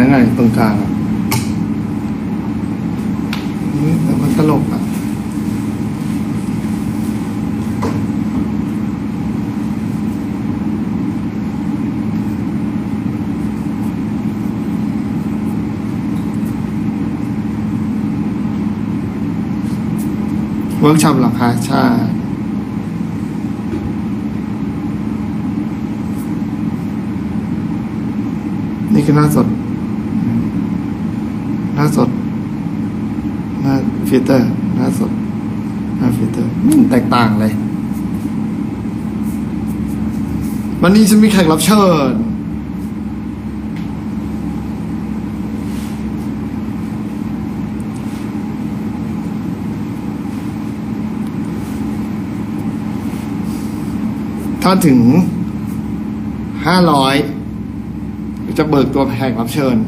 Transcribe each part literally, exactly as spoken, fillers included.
ไงตรงกลางอ่ะแต่มันตลกอ่ะเวิร์กช็อปหรอคะใช่นี่คือหน้าสดหน้าสดหน้าฟิลเตอร์หน้าสดหน้าฟิลเตอร์มันแตกต่างเลยวันนี้ฉันมีแขกรับเชิญถ้าถึงห้าร้อยจะเบิกตัวแขกรับเชิญ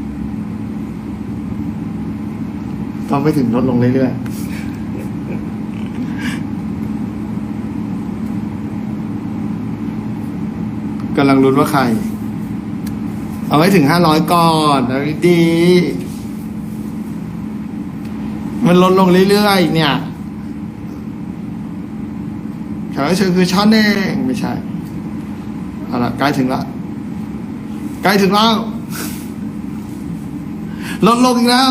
ต้องไปถึงลดลงเรื่อยๆกำลังลุ้นว่าใครเอาไว้ถึงห้าร้อยก่อนเอาดีมันลดลงเรื่อยๆเนี่ยแขกรับเชิญคือช้อนเองไม่ใช่เอาละใกล้ถึงละใกล้ถึงแล้วลดลงอีกแล้ว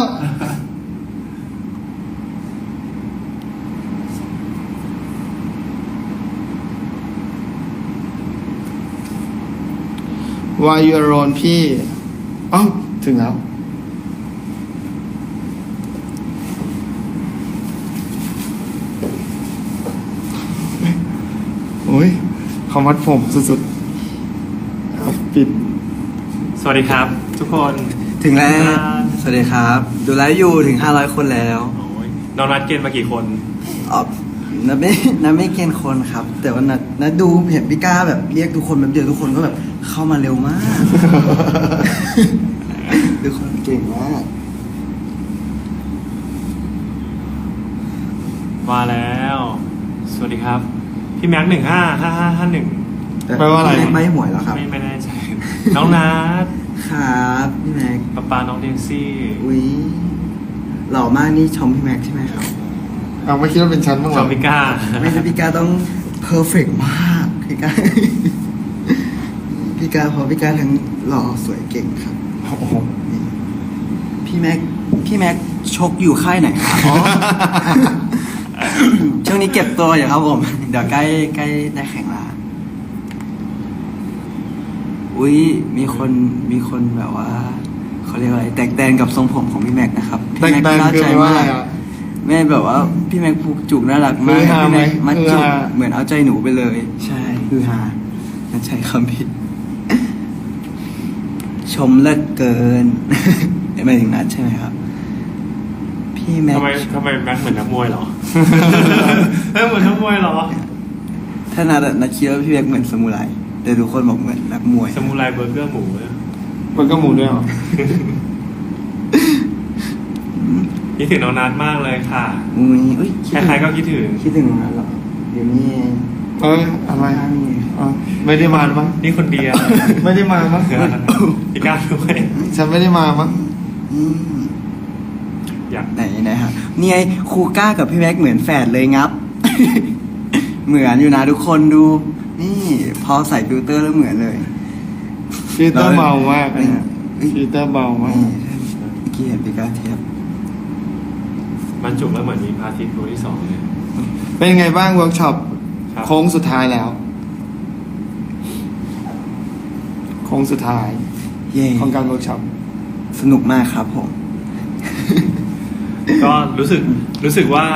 วายยูโรนพี่เอ้าถึงแล้วโอ้ยเขามัดผมสุดๆเอาปิดสวัสดีครับ ทุกคนถึงแล้วสวัสดีครับดูไลฟ์อยู่ถึงห้าร้อยคนแล้วน้องนัดเกณฑ์มากี่คนอ๋อนัดไม่นัดไม่เกณฑ์คนครับแต่ว่านัดนัดดูเห็นพี่ก้าแบบเรียกทุกคนแบบเดียวทุกคนก็แบบเข้ามาเร็วมากทุกคนเก่งมากมาแล้วสวัสดีครับพี่แม็กหนึ่งห้าห้าห้าห้าหนึ่งแปลว่าอะไรไม่หวยแล้วครับไม่ไม่แน่ใจน้องนัดครับพี่แม็กป๊าป๊าน้องเดนซี่อุ้ยหล่อมากนี่ชมพี่แม็กใช่ไหมครับเอาไม่คิดว่าเป็นชั้นบ้างเหรอชมพี่ก้าไม่ใช่พี่ก้าต้องเพอร์เฟกต์มากพี่ก้าพี่ก้าเพราะพี่ก้าทั้งหล่อสวยเก่งครับโอ้โหพี่แม็กพี่แม็กชกอยู่ค่ายไหนครับช่วงนี้เก็บตัวอยู่ครับผมเดี๋ยวใกล้ใกล้ได้แข่งละอุ้ยมีคนมีคนแบบว่าเขาเรียกอะไรแตกแตนกับทรงผมของพี่แม็กนะครับพี่แม็กน่าใจมากแม่แบบว่าพี่แม็กผูกจุกน่ารักมากพี่แม็กมัดจุกเหมือนเอาใจหนูไปเลยใช่คือฮานั่นใช้คำผิดชมเลิศเกินไม่ถึงนัดใช่ไหมครับพี่แม็กทำไมทำไมแม็กเหมือนนักมวยเหรอเหมือนนักมวยเหรอถ้านัดนัดคิดว่าพี่แม็กเหมือนสมุไรแต่ทุกคนบอกเหมือนนักมวยสมุไรเบอร์เกอร์หมูเนี่ยเบอร์เกอร์หมูด้วยเหรอคิดถึงน้องนัทมากเลยค่ะอุ้ยอุ้ยใครๆก็คิดถึงคิดถึงน้องนัทหรอเดี๋ยวนี้เอ้ยอะไรไม่ได้มามั้งนี่คนเดียวไม่ได้มามั้งพี่ก้าด้วยฉันไม่ได้มามั้งอยากไหนไหนฮะนี่ไงครูก้ากับพี่แม็กเหมือนแฝดเลยงับเหมือนอยู่นะทุกคนดูนี่พอใส่ฟิลเตอร์แล้วเหมือนเลยฟิลเตอร์เบามากฟิลเตอร์เบามากเมื่อกี้เห็นพี่ก้าเทียบมันจุกแล้วเหมือนมีพาทิตย์ตัวที่สองเลยเป็นไงบ้างเวิร์กช็อปโค้งสุดท้ายแล้วโค้งสุดท้ายของการเวิร์กช็อปสนุกมากครับผมก็รู้สึกรู้สึกว่า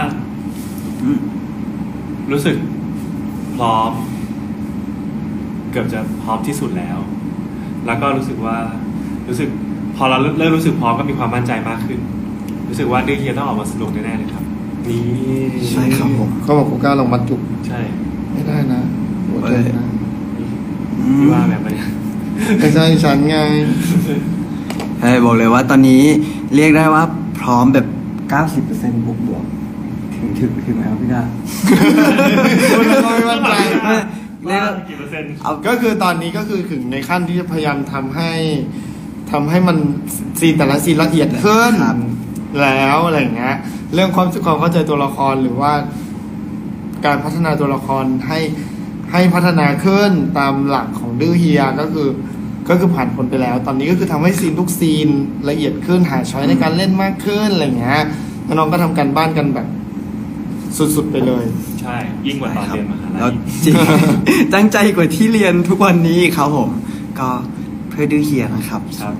รู้สึกพร้อมเกือบจะพร้อมที่สุดแล้วแล้วก็รู้สึกว่ารู้สึกพอเราเริ่มรู้สึกพร้อมก็มีความมั่นใจมากขึ้นรู้สึกว่าเรื่องนี้ต้องออกมาสนุกแน่ๆเลยครับนี่ใช่ครับผมเขาบอกกูกล้าลงมัดจุกใช่ไม่ได้นะหัวใจนะพี่ว่าแบบนี้ไม่ใช่ฉันไงใช่บอกเลยว่าตอนนี้เรียกได้ว่าพร้อมแบบ เก้าสิบเปอร์เซ็นต์ บวกบวกถึงถึงถึงแล้วพี่ดาไม่มั่นใจเรียกกี่เปอร์เซ็นต์ก็คือตอนนี้ก็คือถึงในขั้นที่จะพยายามทำให้ทำให้มันซีนแต่ละซีนละเอียดขึ้นครับแล้วอะไรอย่างเงี้ยเรื่องความความเข้าใจตัวละครหรือว่า การพัฒนาตัวละครให้ให้พัฒนาขึ้นตามหลักของดื้อเฮียก็คือ ก็คือผ่านพ้นไปแล้ว ตอนนี้ก็คือทำให้ซีนทุกซีนละเอียดขึ้นหาช้อยในการเล่นมากขึ้นอะไรอย่างเงี้ยแล้วน้องก็ทำการบ้านกันแบบสุดๆไปเลยใช่ ยิ่งกว่าตอนเรียนมหาลัแล้วยจริง ตั้งใจกว่าที่เรียนทุกวันนี้ครับผม ก็เพื่อดื้อเฮียนะครับครับ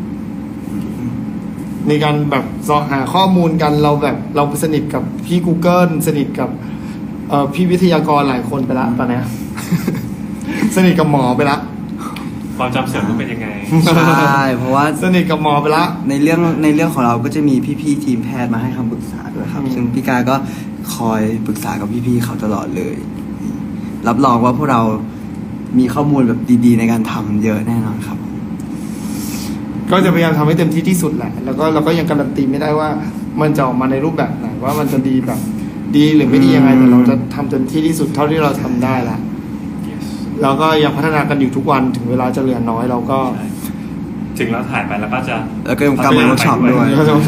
ในการแบบสอหาข้อมูลกันเราแบบเราสนิทกับพี่ Google สนิทกับเอ่อพี่วิทยากรหลายคนไปละตอนเนี้ย สนิทกับหมอไปละความจำเสื่อมมันเป็นยังไงใช่ เพราะว่าสนิทกับหมอไปละในเรื่องในเรื่องของเราก็จะมีพี่ๆทีมแพทย์มาให้คำปรึกษาด้วยครับอืมซึ่งพี่กาก็คอยปรึกษากับพี่ๆเขาตลอดเลย รับรองว่าพวกเรามีข้อมูลแบบดีๆ ในการทำเยอะแน่นอนครับก็จะพยายามทำให้เต็มที่ที่สุดแหละ แล้วก็เราก็ยังการันตีไม่ได้ว่ามันจะออกมาในรูปแบบไหนว่ามันจะดีแบบดีหรือไม่ดียังไงแต่เราจะทำเต็มที่ที่สุดเท่าที่เราทำได้ละ yes เราก็ยังพัฒนากันอยู่ทุกวันถึงเวลาจะเหลือน้อยเราก็ใช่ถึงเราถ่ายไปแล้วก็จะแล้วก็ยังกลับมาเวิร์กช็อปด้วยก็จะ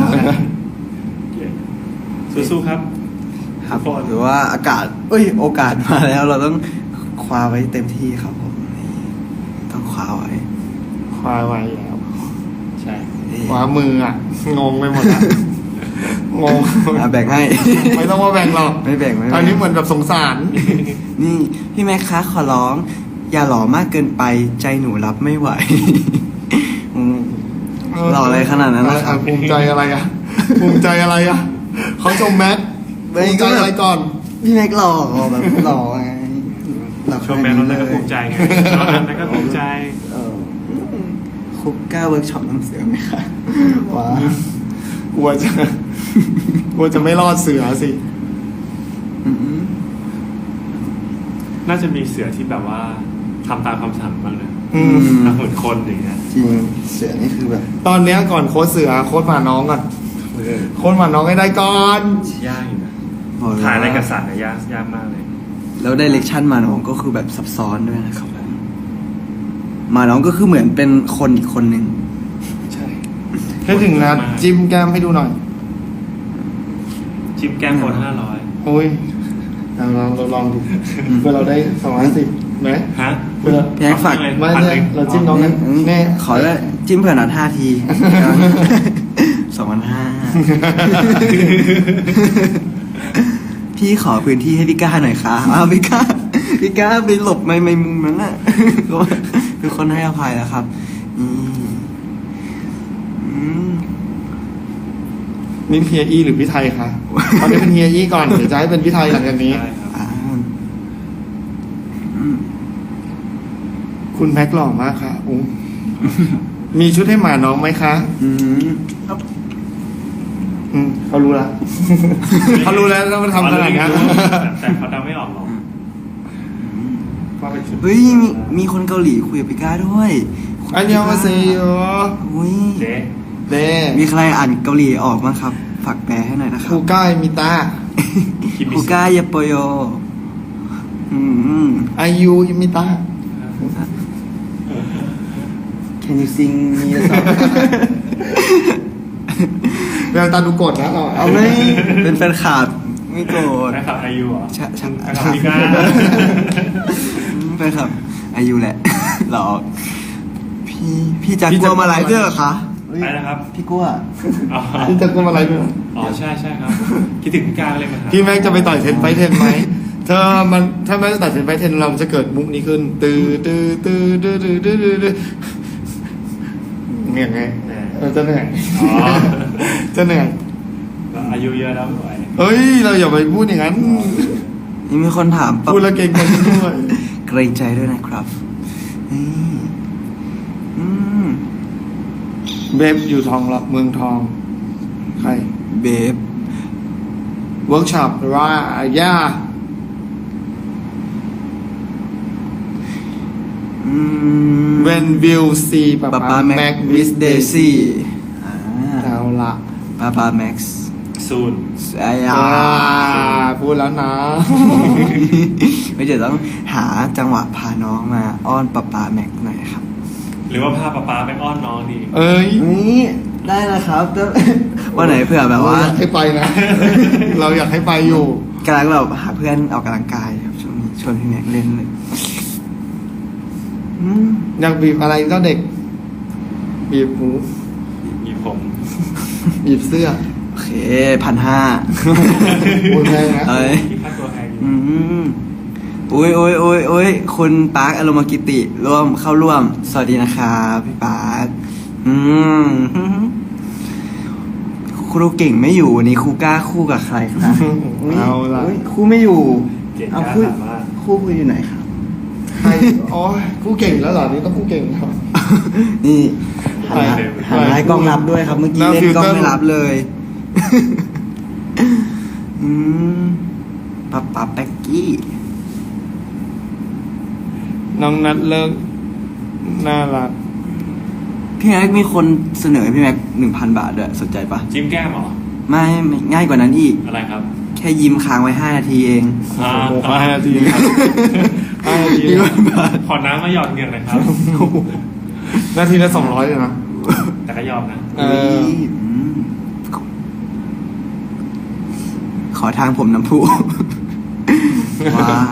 สู้ๆครับครับทุกคนหรือว่าอากาศเอ้ยโอกาสมาแล้ว เราต้องคว้าไว้เต็มที่ครับผมนี่ต้องคว้าไว้คว้าไว้แล้วใช่ขวามืออ่ะ งงไปหมดละงงอ่ะแบ่งให้ไม่ต้องมาแบ่งหรอกไม่แบ่งไม่แบ่งอันนี้เหมือนแบบสงสารนี่พี่แม็กคะขอร้อง อย่าหล่อมากเกินไปใจหนูรับไม่ไหว อืมหล่ออะไรขนาดนั้นนะครับภูมิใจอะไรอ่ะ ภูมิใจอะไรอ่ะเขาชมแม็กภูมิใจอะไรก่อนพี่แม็กหล่อแบบหล่อไงหล่อชมแมนเราก็ภูมิใจไงตอนนั้นก็ภูมิใจเออคุกก้าเวิร์กช็อปน้ำเสือไหมคะว้ากลัวจะกลัวจะไม่รอดเสือสิอืมน่าจะมีเสือที่แบบว่าทำตามคำสั่งบ้างนะอืมทำเหมือนคนอย่างเงี้ยจริงเสือนี่คือแบบตอนเนี้ยก่อนโค้ชเสือโค้ชหมาน้องก่อนโค้ชหมาน้องให้ได้ก่อนยากอยู่นะบอกเลยถ่ายอะไรกับว่าสัตว์เนี่ยยากยากมากเลยแล้วไดเรกชันมาน้องก็คือแบบซับซ้อนด้วยนะครับมาน้องก็คือเหมือนเป็นคนอีกคนหนึ่งใช่ถ้าถึงนะจิ้มแก้มให้ดูหน่อยชิปแก้มคนห้าร้อยโอ้ยเราลองเราลองดูเพื่อเราได้สองร้อยสิบไหมฮะเพื่อพี่แม็กฝากไม่พันใช่หนึ่งเราจิ้มน้องนั้นแน่ขอได้จิ้มเผื่อนัดห้าที สองพันห้าพี่ขอพื้นที่ให้พี่ก้าหน่อยค่ะอ้าวพี่ก้าพี่ก้าไปหลบไม่ไม่มุมนั้นน่ะคือคนให้อภัยแล้วครับอืมอืมนี่เฮียอี้หรือพี่ไทยคะตอนนี้เป็นเฮียอี้ก่อนเดี๋ยวจะให้เป็นพี่ไทยหลังจากนี้ใช่ครับอ่าอืมคุณแม็กหล่อมากค่ะอุ้งมีชุดให้หมาน้องไหมคะอืมอืมเขารู้ละ เขารู้แล้วว่ามันทำขนาดนี้นแต่เขาเดาไม่ออกหรอกว่าเป็นชุดเฮ้ยมีมีคนเกาหลีคุยกับพี่ก้าด้วยอันยองมาเซโยอุ้ยเจ๊เด้มีใครอ่านเกาหลีออกมั้งครับ ฝากแปลให้หน่อยนะครัคูบก้ายมิตาคิมิคุสึก้ายาโปโยอืมอายุอิมิตา Can you sing me a song แววตาดูโกรธนะเราเอาไหมเป็นแฟนคลับไม่โกรธแฟนคลับอายุเหรอใช่ใช่แฟนคลับพี่ก้าแฟนคลับอายุแหละ หรอพี่พี่จักกลัวมาหลายเรื่องเหรอคะไปนะครับพี่กลัวอ๋อพี่จะกุมอะไรด้วยอ๋อใช่ใช่ครับ คิดถึงพี่ก้าเลยมาครับพี่แม็กจะไปต่อยเทนไฟเทนไหมเธอมันถ้าแม็กจะต่อยเทนไฟเทนเราจะเกิดมุกนี้ขึ้นตื้อตื้อตื้อตื้อตื้อตื้อตื้อเนี่ยไงเออจะเหนื่อยอ๋อจะเหนื่อยอายุเยอะแล้วไม่ไหวเฮ้ย เราอย่าไปพูดอย่างนั้นนี่มีคนถามปั๊บพูดแล้วเก่งใจด้วยเกรงใจด้วยนะครับนี่อืมเบฟอยู่ทองหลักเมืองทอง ใครเบฟเวิร์กช็อปหรือว่าย่าอืม When will see ป๊าป๊าป๊าป๊าแม็แม็กกวิวิสสเดเดซี่ซี่อ่าเอาละป๊าป๊าแม็กซ์ซูนไอ้ยาอ่าพูดแล้วนะไม่เดี๋ยวต้องหาจังหวะพาน้องมาอ้อนป๊าป๊าแม็กหน่อยครับหรือว่าพาป๊าป๊าไปอ้อนน้องดีเอ้ยนี่ได้แล้วครับแต่ วันไหนเผื่อแบบว่าเรอยากให้ไปนะ เราอยากให้ไปอยู่กำลังแบบหาเพื่อนออกกำลังกายครับช่วงนี้ชวนพี่แม็กเล่นเลยอืมอยากบีบอะไรก็เด็ก บีบหูมีผมบีบเสื้อโอเคพันห้าพูดแพงนะเอ้ยที่พักตัวแพงอยู่อืมอุ้ยอุ้ยอุ้ยอุ้ยคุณปาร์คอารมณ์กิติ ร่วมเข้าร่วม สวัสดีนะครับพี่ปาร์คอืมครูเก่งไม่อยู่วันนี้ครูกล้าคู่กับใครครับเอาล่ะยครูไม่อยู่เก่งเอากล้าคู่ถามว่าคู่คุยอยู่ไหนครับใครอ๋อคู่เก่งแล้วเหรอ นี่ต้องคู่เก่งครับนี่หันหน้าไปหันหน้าให้กล้องรับด้วยครับ เมื่อกี้หน้าเล่นกล้องฟิลเตอร์ไม่รับเลย อืมป๊าป๊าแป๊กกี้น้องนัดเลิกน่ารักพี่แม็กมีคนเสนอให้พี่แม็กหนึ่งพันบาทด้วยสนใจปะจิ้มแก้มเหรอไม่ไม่ง่ายกว่านั้นอีกอะไรครับแค่ยิ้มค้างไว้ห้านาทีเองอ่าโอ้โหห้านาทีครับห้านาทีหนึ่งนะพันบาทขอน้ำมาหยอดเงินเลยครับนาทีละสองร้อยเลยนะแต่ก็ยอมนะเออมขอทางผมน้ำพุ ว้าย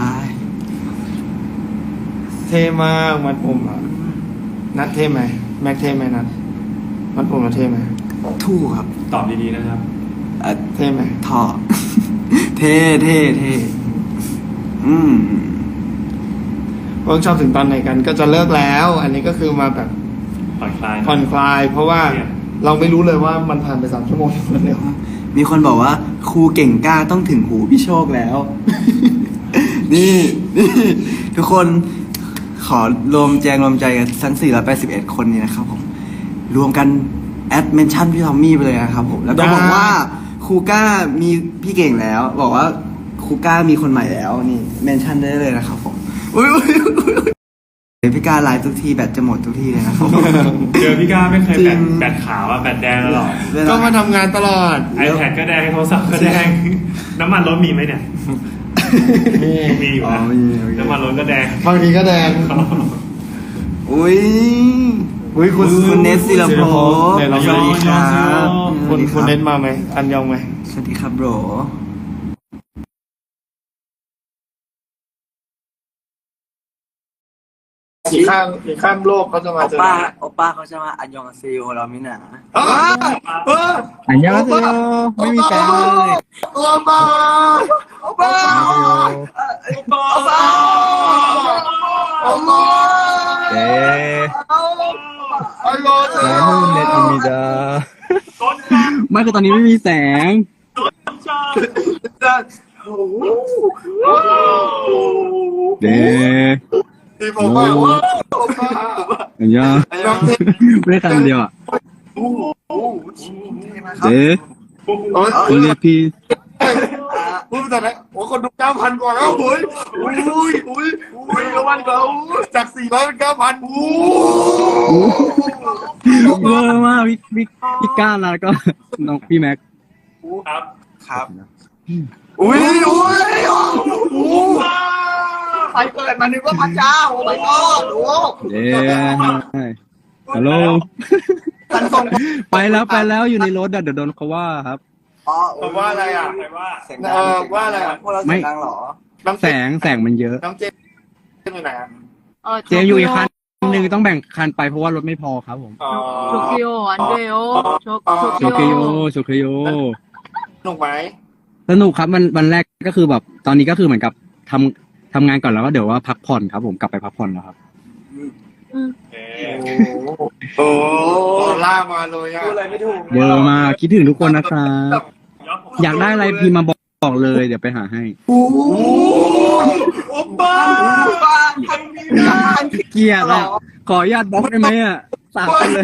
เท่มากมัดผมอ่ะ นัดเท่ไหม แม็กเท่ไหมนัดมัดผมเราเท่ไหมทู่ครับตอบดีๆนะครับเอ่อเท่ไหมท่อ เท่เท่เท่อืมเวิร์กช็อปถึงตอนไหนกันก็จะเลิกแล้ว อันนี้ก็คือมาแบบผ่อนคลายผ่อนคลาย เพราะว่าเครียดเราไม่รู้เลยว่ามันผ่านไปสามชั่วโมงเร็วมีคนบอกว่า ครูเก่งกล้าต้องถึงหูพี่โชคแล้ว นี่นี่ทุกคนขอรวมแจงรวมใจกันทั้งสี่ร้อยแปดสิบเอ็ดคนนี้นะครับผม รวมกันแอดเมนชั่นพี่ทอมมี่ไปเลยนะครับผม แล้วก็บอกว่าครูก้ามีพี่เก่งแล้ว บอกว่าครูก้ามีคนใหม่แล้ว นี่เมนชั่นได้เลยนะครับผมอุ้ยอุ้ยอุ้ยอุ๊ยเดี๋ยวพี่ก้าไลฟ์ทุกทีแบตจะหมดทุกทีเลยนะครับเจอพี่ก้าไม่เคยแบตจริงแบตขาวอะแบตแดงตลอดเวๆลาก็มาทำงานตลอด iPad ก็แดงโทรศัพท์ก็แดง น้ำมันรถมีไหมเนี่ยนี่มีอยู่อ๋อนะมีโอเคน้ำมันรถก็แดงบางทีก็แดงอุ้ยอุ้ยคุณคุณเนสศิลปภพเนี่ยเราสวัสดีครับคุณสวัสดีคุณรับเนสมาไหม อันยองไหมสวัสดีครับโบรอีกข้างอีกข้างโลกเขาจะมาโอเจอป้าโอป้าเขาจะมาอันยองอาเซโอเราไม่หนาอ้าวเอออันยองเซโยไม่มีแฟนเลยโอป้าโอป้าโอป้าโอป้าเอ๊ะอันยองเซนาโยฮูเน็ตอมิดาไม่คือตอนนี้ไม่มีแสงเดที่ผมว่าโอป้าอันยองไม่ได้คำเดียวอ่ะเดคุณเรียกพี่พูดแต่ไหนโอ้คนดูเก้าพันกว่าแล้วอุ้ยอุ้ยอุ้ยอุ้ยอุ้ยเก้าพันกว่าจากสี่ร้อยเป็นเก้าพันอู้เวอร์มากพี่พี่พี่ก้านแล้วก็น้องพี่แม็กครับครับอุ้ยอุ้ยอู้ใครเกิดมานึกว่าพระเจ้าโอ้ my god โอ้เดฮัลโหลท่านทรงไปแล้วไปแล้วอยู่ในรถอะเดี๋ยวโดนเขาว่าครับอ๋อผมว่าอะไรอ่ะใครว่าเสียงเออว่าอะไรอ่ะพวกเราเสียงดังเหรอน้องแสงแสงมันเยอะน้องเจมอยู่ไหนอ่ะ 어, เจมอยู่อีกคันหนึ่งต้องแบ่งคันไปเพราะว่ารถไม่พอครับผมอ๋อ 좋게요, 안 돼요. 저, โชเคโย 좋게요. โชเคโยสนุกไหมสนุกครับมันวันแรกก็คือแบบตอนนี้ก็คือเหมือนกับทำทำงานก่อนแล้วก็เดี๋ยวว่าพักผ่อนครับผมกลับไปพักผ่อนแล้วครับเอ๊โอ้ะโหล่ามาเลยอ่ะพูดอะไรไม่ถูกเยอะมากคิดถึงทุกคนนะครับยอดผมอยากได้อะไรพี่มาบอกบอกเลยเดี๋ยวไปหาให้โอ้โอ้บ้าบ้าทำไม่ได้เกลียดอ่ะขออนุญาตบล็อกได้ไหมอ่ะสามคนเลย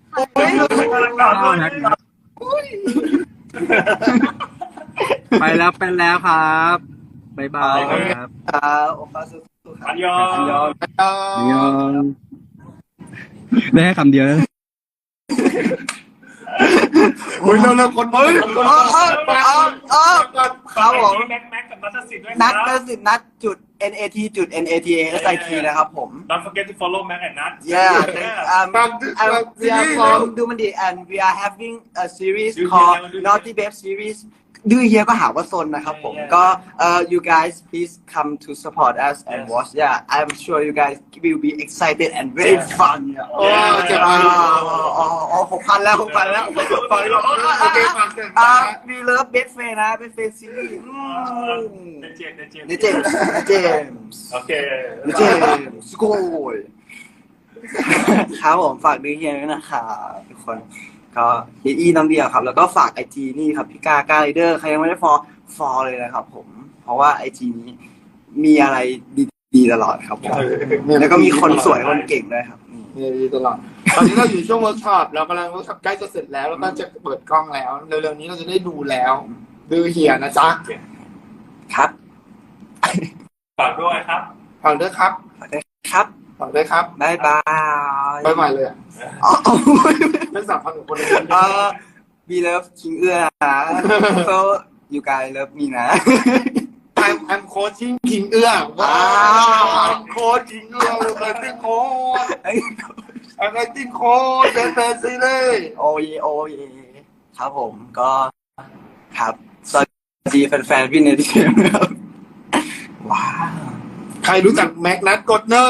ไปแล้วไปแล้วครับบ๊ายบายครับครับโอป้าสู้ๆครับอันยองยองยองได้แค่คำเดียวนะอุ้ยเร็วๆคนเฮ้ยเออเออเออเออครับผมแม็กแม็กกับนัทสิทธิ์ด้วยนัดคนัรัดสินัดจุด n a t จุด n a t a s i t นะครับผม Don't forget to follow Mac and Nat yeah um ฟัง uh, ฟัง we are from Dumandi and we are having a series called Naughty Babe series ดื้อเฮียก็หาว่าซนนะครับผม ก็ uh you guys please come to support us and watch yeah I'm sure you guys will be excited and very fun โอ้เจ็บอ๋มาออ๋อหกพันแล้วหกพันแล้วฟังแล้วโอเคฟังเสร็จอ่า we love best friend นะ best friend series เดนเจมเดนเจมในเจมส์ในเจมส์โอเคในเจมส์สโกยครับผมฝากดูเฮียด้วยนะครับทุกคนก็เฮียอีน้องเดียวครับ แล้วก็ฝากไอจีนี่ครับพี่กากาไรเดอร์ใครยังไม่ได้ฟอลฟอลเลยนะครับผม เพราะว่าไอจีนี้มีอะไรดีๆตลอดครับผมแล้วก็มีคนสวยคนเก่งด้วยครับนี่ดีตลอดตอนนี้เราอยู่ช่วงเวิร์กช็อปเรากำลังเวิร์กช็อปใกล้จะเสร็จแล้วแล้วก็จะเปิดกล้องแล้วเร็วๆนี้เราจะได้ดูแล้วดื้อเฮียนะจ๊ะครับฝากด้วยครับฟังด้วยครับครับฟังด้วยครับบ๊ายบายบ๊ายบายเลยอะอ๋อเป็นสามพันของคนเลยเออ we love คิงเอื้อนะ so you guys love me นะ I'm I'm coaching คิงเอื้อว้าว I'm coaching เอื้อ I'm acting coach I'm acting coach เป็นแฟนซีเลยโอ้ยโอ้ยครับผมก็ครับสวัสดีแฟนๆพี่เนติเกมครับว้าวใครรู้จักแม็กนัทกดหนึ่ง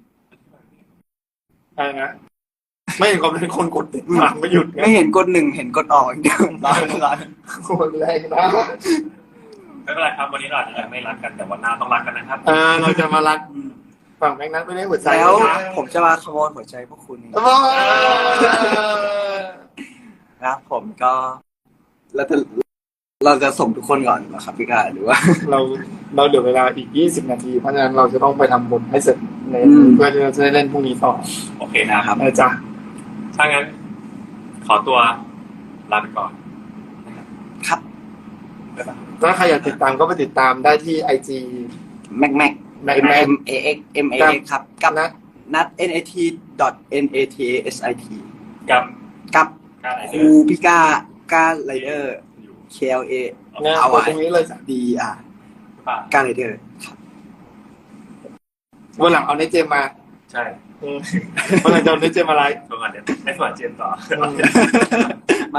อะไรนะไม่เห็นความเป็นคนกดติดหลังไม่หยุดไงไม่เห็นกดหนึ่งเห็นกดออกอย่างเดียวร้านร้านคนแรงนะไม่เป็นไรครับวันนี้เราอาจจะไม่รักกันแต่วันหน้าต้องรักกันนะครับอ่าเราจะมารักฝั่งแม็กนัทไม่ได้หัวใจแล้วนะผมจะมาขโมยหัวใจพวกคุณว้าวครับผมก็เราจะเราจะส่งทุกคนก่อนเหรอครับพี่กาหรือว่าเราเราเหลือเวลาอีกยี่สิบนาทีเพราะฉะนั้นเราจะต้องไปทำบทให้เสร็จในอืมเพื่อที่เราจะได้เล่นพรุ่งนี้ต่อโอเคนะครับนะจ๊ะถ้างั้น ขอตัวลาไปก่อนครับถ้าใครอยากติดตามก็ไปติดตามได้ที่ไอจีแม็กแม็กแม็กแม็ก M A X M A X ครับกับนัทนัด N A T dot N A T A S I T กับกับการไหนคเดิรูนพิกาการไรเดอร์อยู่ K L A เนี่ยเอากดไว้ตรงนี้เลยจ้ะ D R ป่ะการไรเดอร์วันหลังเอาในเจมมาใช่อืมวันหลังจะเอาในเจมมาไลฟ์ตรงก่อนเดี๋ยวให้สวัสดีเจมส์ต่อไม่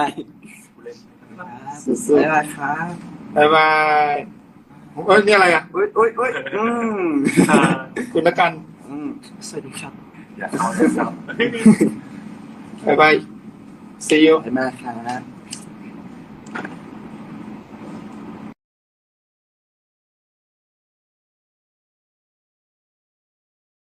สุดบ๊ายบายครับๆบ๊ายบายเอ้ยนี่อะไรอ่ะอุ้ยอุ้ยอุ้ยอืมคุณละกันอืมสวัสดีครับอยากเอาเรื่องเราบ๊ายบาย see you บ๊ายบายครับ